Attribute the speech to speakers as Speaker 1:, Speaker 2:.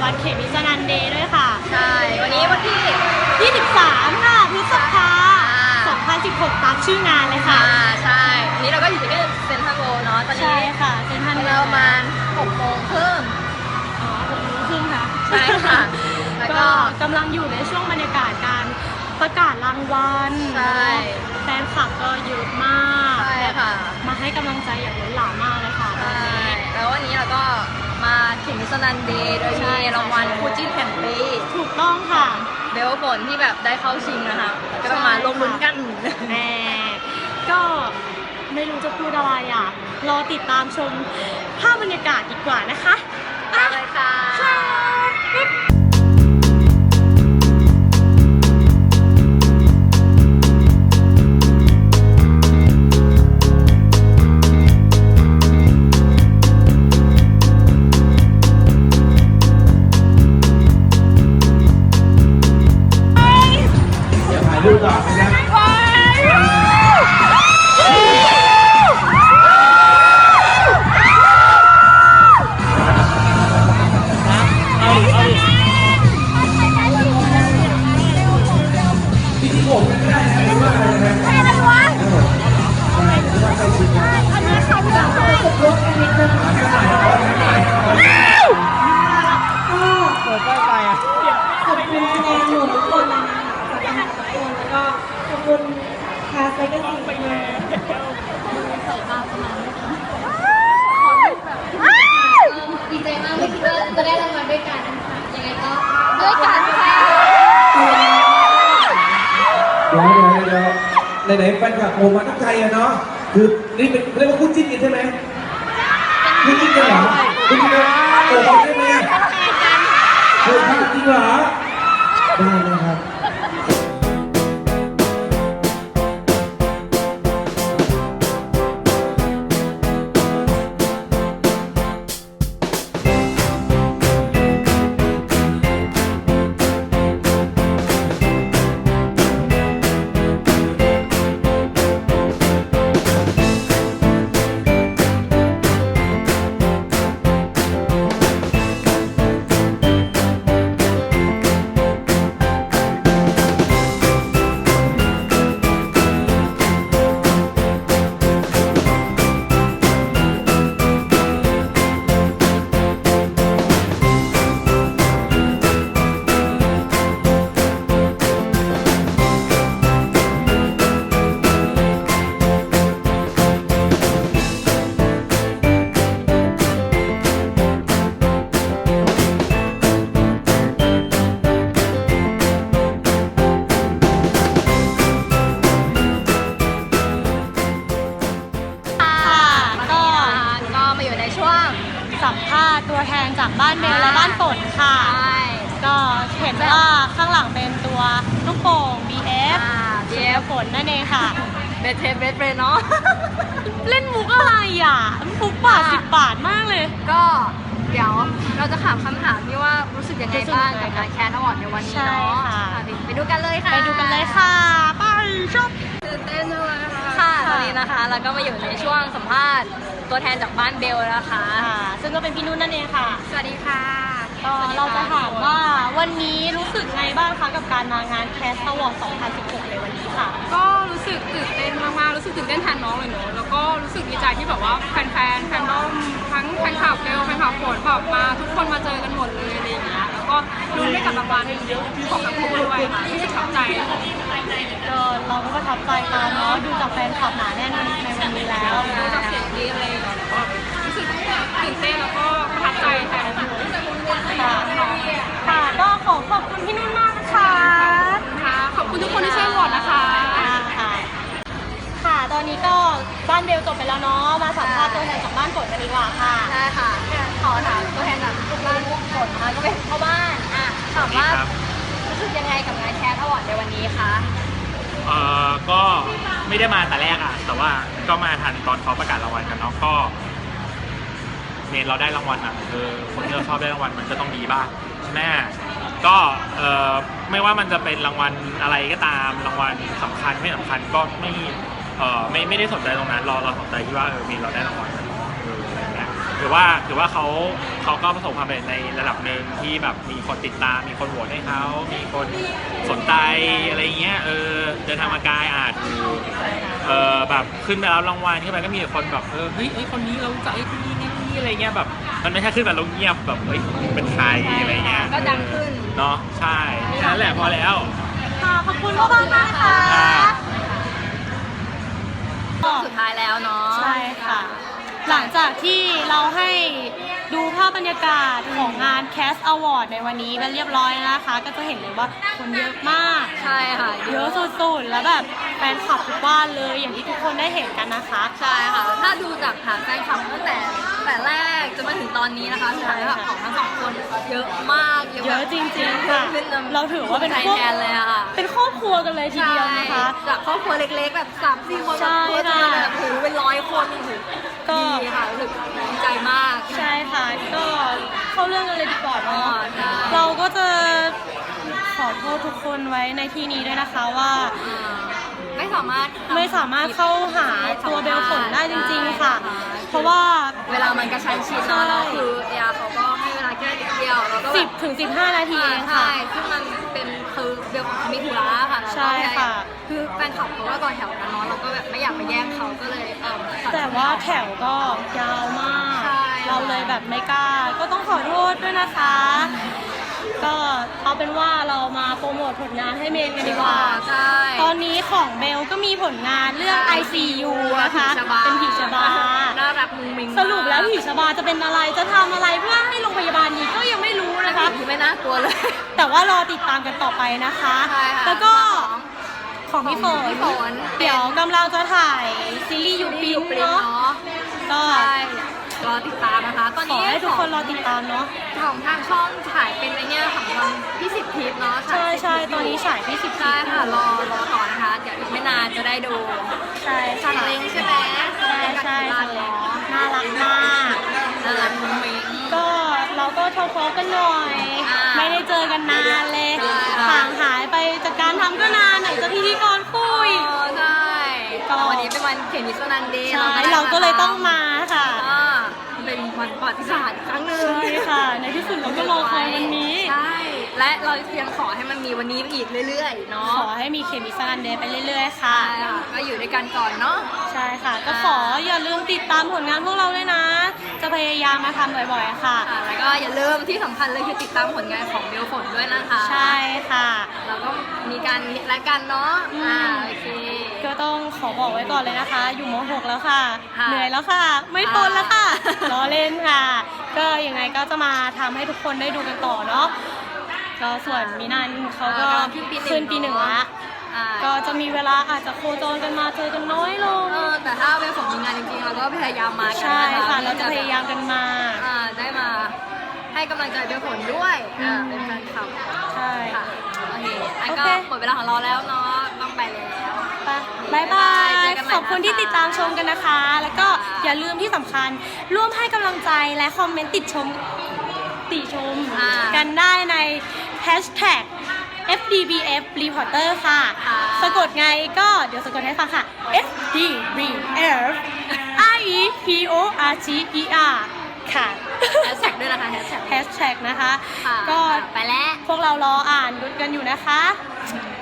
Speaker 1: วันเขมิสนันเดย์ด้วยค่ะ
Speaker 2: ใช่วันนี้วันที่
Speaker 1: 23 ค่ะพฤษภาคม 2016 ตามชื่องานเลยค่ะ
Speaker 2: ใช่วันนี้เราก็อยู่ที่เซ็นทรัลโวลด์เนาะตอนนี้
Speaker 1: ใช่ค่ะเซ็นทรัล
Speaker 2: ประมาณ6 โมงครึ่ง
Speaker 1: อ๋อ6 โมงครึ่งค่ะ
Speaker 2: ใช่ค่ะแล้วก็
Speaker 1: กำลังอยู่ในช่วงบรรยากาศการประกาศรางวัล
Speaker 2: ใช่
Speaker 1: แฟนคลับก็เยอะมาก
Speaker 2: ใช่ค่ะ
Speaker 1: มาให้กำลังใจอย่างล้นหลามมากเลยค่ะ
Speaker 2: ใช่แล้ววันนี้เราก็มาถึงสนันเดย์โดยมีรางวัลคู่จิ้นแห่งปี
Speaker 1: ถูกต้องค่ะ
Speaker 2: เบลฝนที่แบบได้เข้าชิงนะคะก็ต้องมาลงลุ้นกัน
Speaker 1: แน่ก็ไม่รู้จะพูดอะไรอ่ะรอติดตามชมภาพบรรยากาศดีกว่านะคะ
Speaker 2: อะไรค่ะ
Speaker 3: ดูก่อนนะที่ผมไม่ได้นะหรือว่าอะไรนะไม่ได้วะอันนี้เขาจะให้รถนิดนึงเปิดไฟอ่ะ
Speaker 4: ขอบคุณคะแนนหมู่ทุกคนเลยนะคะจากการทุกคนแล้วก็ขอบคุณคาสไซก็สิบมาใส่ตาประมาณดีใจมากไม่คิดว่าจะได้รางวัลด้วยกันนะคะยังไงก็ด้วยกันค่ะ
Speaker 3: เดี๋ยวไหนแฟนคลับโอมาตั้งใจอะเนาะคือนี่เป็นเรียกว่าคู่จิ้นกันใช่ไหมคู่จิ้นกันเหรอคู่จิ้นกันโอ้ได้ไหมโอ้จริงเหรอได้เลยครับ
Speaker 1: สัมภาษณ์ตัวแทนจากบ้านเบลและบ้านฝนค่ะก็เห็นว่าข้างหลังเป็นตัวลูกโป่ง BF ฝนนั่นเองค่ะ
Speaker 2: เบสเทปเบสเฟรนเนาะ
Speaker 1: เล่นมุกอะไรอ่ะมุกบาท10 บาทมากเลย
Speaker 2: ก็เดี๋ยวเราจะถามคำถามที่ว่ารู้สึกยังไงบ้างกับงานแคนอวอร์ดในวันนี้เนาะไปดูกันเลยค่ะ
Speaker 1: ไปดูกันเลยค่ะไปชอบ
Speaker 2: ตื่นเต้นเลยค่ะตอนนี้นะคะเราก็มาอยู่ในช่วงสัมภาษณ์ตัวแทนจากบ้านเบลนะคะ
Speaker 1: ซึ่งก็เป็นพี่นุ่นนั่นเองค่ะ
Speaker 2: สวัสดีค่ะ
Speaker 1: ก็เราจะถามว่าวันนี้รู้สึกไงบ้างคะกับการมางานแคสต์อวอร์ด 2016 ในวันนี้ค่ะ
Speaker 5: ก็รู้สึกตื่นเต้นมากๆรู้สึกตื่นเต้นแทนน้องเลยเนอะแล้วก็รู้สึกดีใจที่แบบว่าแฟนดอมทั้งแฟนคลับเบลแฟนคลับฝนแบบมาทุกคนมาเจอกันหมดเลยอะไรอย่างเงี้ยแล้วก็ลุ้นได้กับรางวัลของทั้งคู่ด้วยค่ะรู้สึกประทับใจ
Speaker 1: เราก็ประทับใจกันเนาะดูจากแฟนคลับหนาแน่นในวันนี้แล้ว
Speaker 5: ดูจากเสียงดีอะไรอย่างเงี้ยก็รู้สึกตื่นเต้นแล้วก็ประทับใจแทน
Speaker 1: ค่ะก็ขอบคุณพี่นุ่นมากนะคะ
Speaker 5: ขอบคุณทุกคนที่ช่วยโหวตนะคะ
Speaker 1: ค่ะตอนนี้ก็บ้านเบลจบไปแล้วเนาะมาสัมภาษณ์ตัวแทนจากบ้านฝนกันดีกว่าค่ะ
Speaker 2: ใช่ค่ะขอถามตัวแทนจากบ้านฝนนะคะก็เป็นพ่อบ้านถามว่ารู้สึกยังไงกับงานแคสอวอร์ดในวันนี้คะ
Speaker 6: ก็ไม่ได้มาแต่แรกแต่ว่าก็มาทันตอนเขาประกาศรางวัลกันเนาะก็เมนเราได้รางวัลคนที่เราชอบได้รางวัลมันก็ต้องดีบ้างแม่ก็ไม่ว่ามันจะเป็นรางวัลอะไรก็ตามรางวัลสำคัญไม่สำคัญก็ไม่ได้สนใจตรงนั้นเราสนใจที่ว่าเมนเราได้รางวัลอะไรเงี้ยถือว่าเขาก็ประสบความสำเร็จในระดับหนึ่งที่แบบมีคนติดตามมีคนโหวตให้เขามีคนสนใจอะไรเงี้ยเดินทางมาไกลถูกแบบขึ้นไปแล้วรางวัลขึ้นไปก็มีแต่คนแบบเฮ้ยคนนี้เราจะคนนี้อะไรเงี้ยแบบมันไม่ใช่ขึ้นแบบเราเงียบแบบเฮ้ยเป็นใครอะไรเงี้ย
Speaker 2: ก็ดังขึ้น
Speaker 6: เนาะใช่นั่นแหละพอแล้ว
Speaker 1: ค่ะขอบคุณมากๆนะคะ
Speaker 2: สุดท้ายแล้วเนาะ
Speaker 1: ใช่ค่ะ หลังจากที่เราให้ดูภาพบรรยากาศของงาน Cast Award ในวันนี้กันเรียบร้อยนะคะ ก็จะเห็นเลยว่าคนเยอะมาก
Speaker 2: ใช่ค่ะ
Speaker 1: เยอะสุดๆ แล้วแบบแฟนคลับทุกบ้านเลยอย่างที่ทุกคนได้เห็นกันนะคะ
Speaker 2: ใช่ค่ะ ถ้าดูจากฐานแฟนคลับตั้งแต่แรกจนมาถึงตอนนี้นะคะฐานแฟนคลับของทั้งสองคนเยอะมาก
Speaker 1: เยอะจริงๆค่ะ
Speaker 2: ขึ้น
Speaker 1: เราถือว่าเป็น
Speaker 2: ไทย
Speaker 1: พวก
Speaker 2: แทนเลยอะค่ะ
Speaker 1: เป็นครอบครัวกันเลยทีเดียวนะคะ
Speaker 2: ใช่จากครอบครัวเล็กๆแบบ3-4 คน
Speaker 1: ใช่
Speaker 2: แบบ
Speaker 1: ค่ะ
Speaker 2: แบบโอ้โหเป็น100 คนโอ้โห
Speaker 1: ก็
Speaker 2: ดีค่ะรู้สึกดีใจมาก
Speaker 1: ใช่ค่ะ ก็เข้าเรื่องกันเลยดีกว่าเนาะ
Speaker 2: ใช่
Speaker 1: เราก็จะขอโทษทุกคนไว้ในที่นี้ด้วยนะคะว่า
Speaker 2: ไม่สามารถ
Speaker 1: ไม่สามารถเข้าหาตัวเบลฝนได้จริงๆค่ะ เพราะว่า
Speaker 2: เวลามันกระชั้นชิดเนาะแล้วคือเอเขาก็ให้เวลาแค่นิดเดียวแล้วก็แบบ
Speaker 1: 10 ถึง 15 นาทีเองค่ะ
Speaker 2: ใช่ซึ่งมันเป็นคือเบลของเขามีธุระค่ะแล้วก็
Speaker 1: ใช่ค่ะ
Speaker 2: คือแฟนคลับเขาก็ต่อแถวกันเนาะเราก็แบบไม่อยากไปแย่งเขาก็เลยตัด
Speaker 1: แต่ว่าแถวก็ยาวมาก
Speaker 2: ใช่
Speaker 1: เราเลยแบบไม่กล้า ก็ต้องขอโทษด้วยนะคะ ก็เอาเป็นว่าเรามาโปรโมทผลงานให้เมนกันดีกว่า
Speaker 2: ใช่
Speaker 1: ตอนนี้ของเบลก็มีผลงานเรื่อง ICU นะคะ เป็นผีชบา
Speaker 2: น่ารักมุ้งมิ้ง
Speaker 1: สรุปแล้วผีชบาจะเป็นอะไร จะทำอะไรเพื่อให้โรงพยาบาลนี้ก็ยังไม่รู้
Speaker 2: นะ
Speaker 1: นะคะ คะ
Speaker 2: คือไม่น่ากลัวเลย
Speaker 1: แต่ว่ารอติดตามกันต่อไปนะคะ
Speaker 2: ใช่ค่ะ
Speaker 1: แล้วก็ของพี่ฝน
Speaker 2: พี่ฝน
Speaker 1: เดี๋ยวกำลังจะถ่ายซีรีส์ยูปิน
Speaker 2: ปริ้น
Speaker 1: เนาะ
Speaker 2: เนาะ
Speaker 1: ก็
Speaker 2: ใช่รอติดตามนะคะ ตอน
Speaker 1: ขอ
Speaker 2: นี้
Speaker 1: ให้ทุกคนรอติดตามเนาะ
Speaker 2: ของทางช่องถ่ายเป็นไอเนี้ยของวันที่10 ทิปเนาะ
Speaker 1: ใช่ใช่ตอนนี้ฉายที่10
Speaker 2: ใช่ค่ะรอต่อนะคะ เดี๋ยวอีกไม่นานจะได้ดู
Speaker 1: ใช่
Speaker 2: ชั
Speaker 1: ค่ะ
Speaker 2: นเล้งใช่ไหม
Speaker 1: ใช่ใช่
Speaker 2: ชั
Speaker 1: ค่ะ
Speaker 2: นเล้ง
Speaker 1: น่ารักมาก
Speaker 2: น่ารักมุ้งมิ้ง
Speaker 1: ก็เราก็ทอล์กกันหน่อย
Speaker 2: อ่า
Speaker 1: ไม่ได้เจอกันนานเลย
Speaker 2: ใช่ค่ะ
Speaker 1: ห่างหายไปจากการทำก็นานไหนจะพิธีกรคุย
Speaker 2: ใช่
Speaker 1: ก็
Speaker 2: วันนี้เป็นวันเขียนนิสนันเดย์
Speaker 1: ใช่เราก็เลยต้องมาค่ะ
Speaker 2: อ่าเป็นวันประวัติศาสตร์อีกครั้งหนึ่ง
Speaker 1: ใช่ค่ะ ในที่สุดเราก็รอคอยวันนี้
Speaker 2: ใช่ และเรายังขอให้มันมีวันนี้อีกเรื่อยๆ เนาะ
Speaker 1: ขอให้มีเคมีซันเดย์ไปเรื่อยๆ ค่ะ
Speaker 2: ใช่ค่ะก็อยู่ด้วยกันก่อนเนาะ
Speaker 1: ใช่ค่ะ ก็ขออย่าลืมติดตามผลงานพวกเราด้วยนะ จะพยายามมาทำบ่อยๆ ค่ะ
Speaker 2: ค่ะแล้วก็อย่าลืมที่สำคัญเลยคือติดตามผลงานของเบลฝนด้วยนะคะ
Speaker 1: ใช่ค่ะ
Speaker 2: แล้วก็มีการและกันเนาะโอเค
Speaker 1: ก็ต้องขอบอกไว้ก่อนเลยนะคะ อยู่ม .6 แล้วค่ะ
Speaker 2: ค่ะ
Speaker 1: เหนื่อยแล้วค่ะ ไม่ทนแล้วค่ะล้อเล่นค่ะ ก็ยังไงก็จะมาทำให้ทุกคนได้ดูกันต่อเนาะ ก็ส่วนมินันเขาก็ขึ้นปีหนึ่งละ
Speaker 2: อ่า
Speaker 1: ก็จะมีเวลาอาจจะโคจรกันมาเจอกันน้อยลง
Speaker 2: แต่ถ้าเบลฝนมีงานจริงๆเราก็พยายามมากัน
Speaker 1: ใช่
Speaker 2: น
Speaker 1: ค่ะ เราจะพยายามกันมา
Speaker 2: ได้มาให้กำลังใจเบลฝนด้วยเป็นแฟนคลับ
Speaker 1: ใช่
Speaker 2: ค่ะโอเคอัน
Speaker 1: โอ
Speaker 2: ก็
Speaker 1: เค
Speaker 2: หมดเวลาของเราแล้วเนาะต้องไปแล้ว
Speaker 1: บายบาย
Speaker 2: เจอกันใหม่
Speaker 1: ขอบคุณที่
Speaker 2: นะคะ
Speaker 1: ติดตามชมกันนะคะ แล้วก็อย่าลืมที่สำคัญ ร่วมให้กำลังใจและคอมเมนต์ติชมกันได้ใน hashtag FDBF Reporter ค่ะ สะกดไงก็เดี๋ยวสะกดให้ฟังค่ะ FDBF REPORTER ค่ะ
Speaker 2: แฮชแท็กด้วยนะคะแฮชแท็ก
Speaker 1: hashtag นะคะ
Speaker 2: ค่ะ
Speaker 1: ก็
Speaker 2: ไปแล้ว
Speaker 1: พวกเรารออ่านกันอยู่นะคะ